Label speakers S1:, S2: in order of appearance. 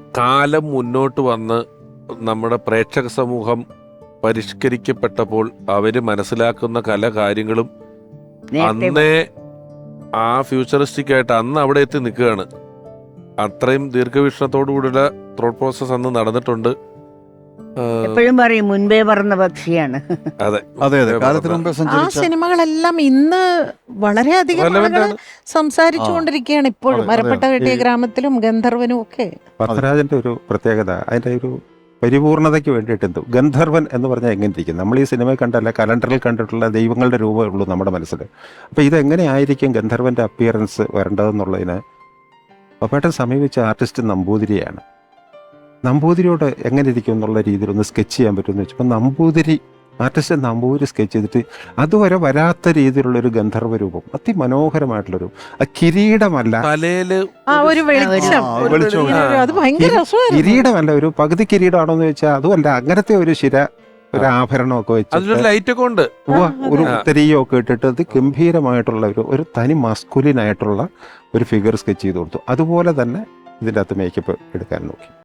S1: കാലം മുന്നോട്ട് വന്ന് നമ്മുടെ പ്രേക്ഷക സമൂഹം പരിഷ്കരിക്കപ്പെട്ടപ്പോൾ അവര് മനസ്സിലാക്കുന്ന പല കാര്യങ്ങളും അന്നേ ആ ഫ്യൂച്ചറിസ്റ്റിക് ആയിട്ട് അന്ന് അവിടെ എത്തി നിൽക്കുകയാണ്. അത്രയും ദീർഘവീക്ഷണത്തോടു കൂടിയുള്ള ത്രോട്ട് പ്രോസസ് അന്ന് നടന്നിട്ടുണ്ട്.
S2: എപ്പോഴും പറയും മുൻപേ പറഞ്ഞ പക്ഷിയാണ്.
S1: അതെ
S3: അതെ അതെ, കാലത്തിന് മുമ്പേ
S4: ആ
S3: സഞ്ചരിച്ച
S4: സിനിമകളെല്ലാം ഇന്ന് വളരെയധികം
S1: Relevant
S4: ആളുകൾ
S1: ആണ്.
S4: സംസാരിച്ചുകൊണ്ടിരിക്കുകയാണ് ഇപ്പോഴും.
S3: അതെ,
S4: മരപ്പെട്ട കെട്ടിയ ഗ്രാമത്തിലും ഗന്ധർവനും ഒക്കെ.
S5: പത്മരാജന്റെ ഒരു പ്രത്യേകത അതിന്റെ ഒരു പരിപൂർണതയ്ക്ക് വേണ്ടിയിട്ട് എന്തോ ഗന്ധർവൻ എന്ന് പറഞ്ഞാൽ എങ്ങനെ ഇരിക്കും? നമ്മൾ ഈ സിനിമയിൽ കണ്ടല്ല, കലണ്ടറിൽ കണ്ടിട്ടുള്ള ദൈവങ്ങളുടെ രൂപമേ ഉള്ളൂ നമ്മുടെ മനസ്സിൽ. അപ്പോൾ ഇതെങ്ങനെ ആയിരിക്കും ഗന്ധർവന്റെ അപ്പിയറൻസ് വരേണ്ടതെന്നുള്ളതിന് പപ്പേട്ടൻ സമീപിച്ച ആർട്ടിസ്റ്റ് നമ്പൂതിരിയാണ്. നമ്പൂതിരിയോട് എങ്ങനെ ഇരിക്കും എന്നുള്ള രീതിയിൽ ഒന്ന് സ്കെച്ച് ചെയ്യാൻ പറ്റുമെന്ന് വെച്ചപ്പോൾ ആർട്ടിസ്റ്റ് നമ്പൂതിരി സ്കെച്ച് ചെയ്തിട്ട് അതുവരെ വരാത്ത രീതിയിലുള്ളൊരു ഗന്ധർവ രൂപം, അതിമനോഹരമായിട്ടുള്ളൊരു കിരീടമല്ല,
S1: തലയില്
S4: ആ ഒരു വെളിച്ചം,
S3: വെളിച്ചം.
S4: അത് ഭയങ്കര രസമായിരുന്നു.
S5: കിരീടമല്ല, ഒരു പകുതി കിരീടമാണോ എന്ന് ചോദിച്ചാൽ അതുമല്ല, അങ്ങനത്തെ ഒരു ഒരു ആഭരണമൊക്കെ
S1: അതിലൊരു
S5: വെച്ചിട്ട്
S1: ലൈറ്റ് ഒക്കെ ഉണ്ട്.
S5: ഒരു ഉത്തരീയമൊക്കെ ഇട്ടിട്ട് അത് ഗംഭീരമായിട്ടുള്ള ഒരു തനി മസ്കുലിനായിട്ടുള്ള ഒരു ഫിഗർ സ്കെച്ച് ചെയ്ത് കൊടുത്തു. അതുപോലെ തന്നെ ഇതിൻ്റെ അകത്ത് മേക്കപ്പ് എടുക്കാൻ നോക്കി.